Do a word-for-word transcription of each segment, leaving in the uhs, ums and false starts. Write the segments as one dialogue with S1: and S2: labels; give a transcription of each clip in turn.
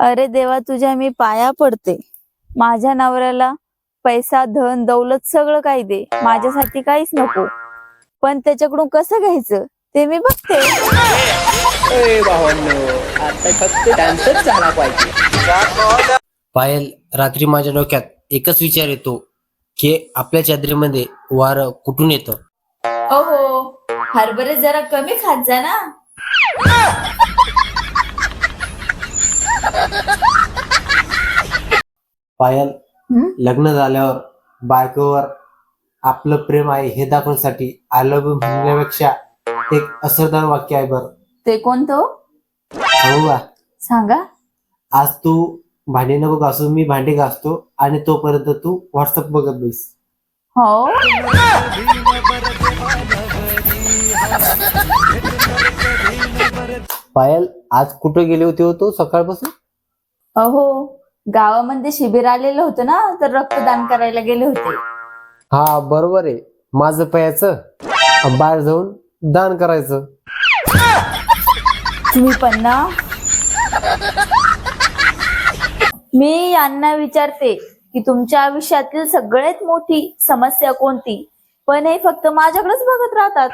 S1: अरे देवा, तुझ्या मी पाया पडते. माझ्या नवऱ्याला पैसा, धन, दौलत सगळं काही दे, माझ्यासाठी काहीच नको. पण त्याच्याकडून कसं घ्यायचं ते मी बघते.
S2: ए भावांनो, आता फक्त डान्सच झाला पाहिजे.
S3: पायल, रात्री माझ्या डोक्यात एकच विचार येतो की आपल्या चादरीमध्ये वारं कुठून येतं.
S1: अहो, हरभरे जरा कमी खात जा ना.
S3: पायल,
S1: हं?
S3: लग्न झाल्यावर बायकोवर आपलं प्रेम आहे हे दाखवण्यासाठी आय लव्ह यू म्हणण्यापेक्षा एक असरदार वाक्य आहे बरं.
S1: ते कोणतं?
S3: सांगू का?
S1: सांगा.
S3: आज तू भांडी नको घासू, मी भांडी घासतो आणि तोपर्यंत तू व्हॉट्सअप बघत बैस.
S1: हो.
S3: पायल, आज कुठं गेले होते हो तू सकाळपासून?
S1: अहो, गावामध्ये शिबिर आलेलं होतं ना, तर रक्तदान करायला गेले होते.
S3: हा बरोबर आहे, माझं प्यायचं बाहेर जाऊन दान करायचं.
S1: तुम्ही पण ना. मी यांना विचारते की तुमच्या आयुष्यातील सगळ्यात मोठी समस्या कोणती, पण हे फक्त माझ्याकडेच बघत राहतात.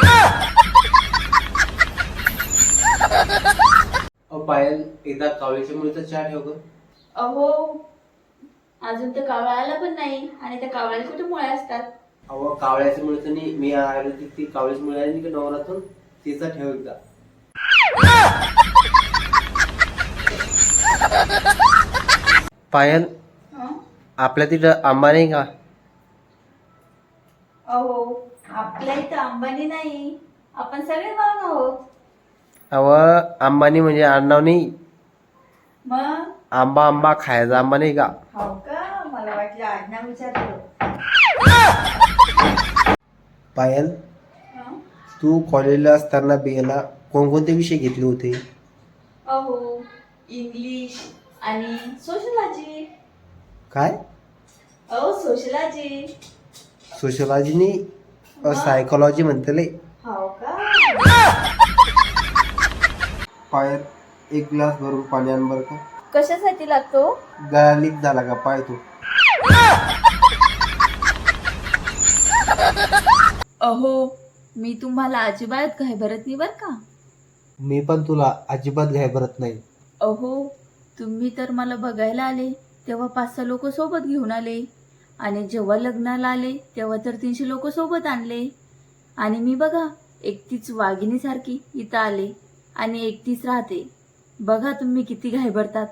S3: पायल, एकदा कावळीच्या मुलीचा चहा ठेव ग.
S1: अहो, अजून तर कावळा आला पण नाही, आणि त्या कावळ्याला कुठे मुळे असतात.
S3: अहो, कावळ्याच्या मुलीचं नाही, मी आयुर्वेदिक ती कावळीची मुली आहे की डोंगरातून, तिचा ठेव एकदा. पायल, आपल्या तिथं आंबा नाही का?
S1: अहो, आपल्या इथं अंबानी नाही, आपण सगळे भाग आहोत.
S3: अव अंबानी म्हणजे आडनाव नाही,
S1: मग
S3: आंबा आंबा खायचा आंबा नाही का?
S1: हो का? मला वाटलं आडनाव विचारलं.
S3: पायल, तू कॉलेजला असताना बियाला कोणकोणते विषय घेतले होते?
S1: अहो, इंग्लिश आणि सोशलॉजी.
S3: काय?
S1: अहो, सोशलॉजी.
S3: सोशलॉजीनी सायकोलॉजी म्हणतले.
S1: हो का?
S3: पायल, एक ग्लास भरून पाणी आण बरं का.
S1: कशासाठी लागतो?
S3: गळा लीक झाला का पाय तू?
S1: अहो, मी तुम्हाला अजिबात घाबरत नाही बर का.
S3: मी पण तुला अजिबात घाबरत नाही.
S1: अहो, तुम्ही तर मला बघायला आले तेव्हा पाच सहा लोक सोबत घेऊन आले, आणि जेव्हा लग्नाला आले तेव्हा तर तीनशे लोक सोबत आणले, आणि मी बघा एकटीच वाघिणीसारखी इथं आले आणि एकटीच राहते. बघा तुम्ही किती घाबरतात.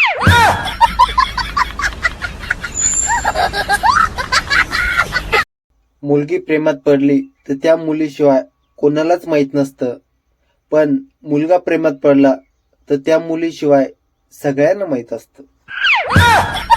S3: मुलगी प्रेमात पडली तर त्या मुलीशिवाय कोणालाच माहित नसतं, पण मुलगा प्रेमात पडला तर त्या मुलीशिवाय सगळ्यांना माहित असतं.